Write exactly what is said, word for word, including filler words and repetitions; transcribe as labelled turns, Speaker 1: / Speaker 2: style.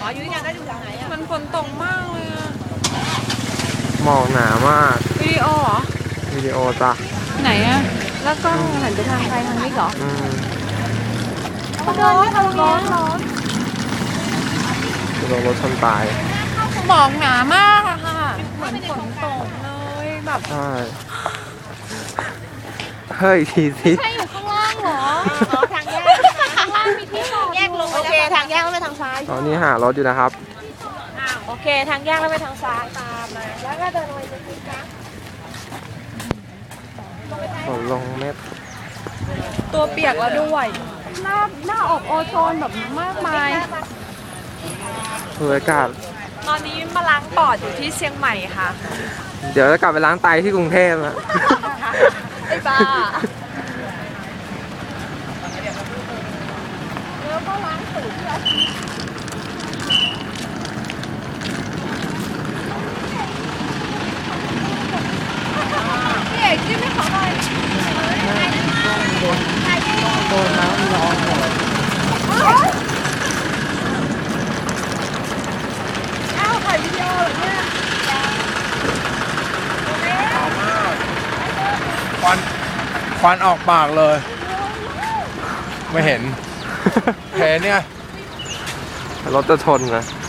Speaker 1: อ๋ออยู่ที่ไหนได้อยู่แถวไหนอ่ะ
Speaker 2: มันฝนตกมากเลยอะ
Speaker 3: หมอกหนามาก
Speaker 2: วิดีโอเหรอ
Speaker 3: วิดีโอจ้ะ
Speaker 2: ไหนอะแล้วกล้องหันไปทางใครทางนี้เหรอ
Speaker 3: อืม
Speaker 2: ร้อนร้อนร้อนร้อน
Speaker 3: จะลงรถชนตาย
Speaker 2: หมอกหนามากอะค่ะเหมือนฝนตกเลยแบบ
Speaker 3: ใช่ เฮ้ยทีสิ
Speaker 2: ใช่อยู่ข้างล่างเหรอ
Speaker 1: อ๋อทางแยก
Speaker 2: ข้างล่างมีที่จอด
Speaker 1: แยกลงโอเคทางแยกแล้วไปทางซ้าย
Speaker 3: ตอนนี้หารถอยู่นะครับ
Speaker 1: อ้าวโอเคทางแยกแล้วไปทางซ้ายตามมาแล้วก็เดินลงไปตรงนี้นะ
Speaker 3: ฝนลงเม็ด
Speaker 2: ตัวเปียกแล้วด้วยหน้าหน้าอบโอโซนแบบมากมาย
Speaker 3: คืออากาศ
Speaker 2: ตอนนี้มาล้างปอดอยู่ที่เชียงใหม่ค่ะ
Speaker 3: เดี๋ยวจะกลับไปล้างไตที่กรุงเทพนะ
Speaker 2: ไอ้บ้า
Speaker 1: แล้วก็ล้างตูดที่ออฟฟิศ
Speaker 2: พี่เอกจิ้มให้เขาหน่อย
Speaker 3: โดนน้ำร้อนหมด
Speaker 2: อ้าวถ่ายวิดีโอเหรอเนี่ย
Speaker 4: ควันควันออกปากเลย ไม่เห็น เห็นเนี่ย
Speaker 3: รถจะชนนะ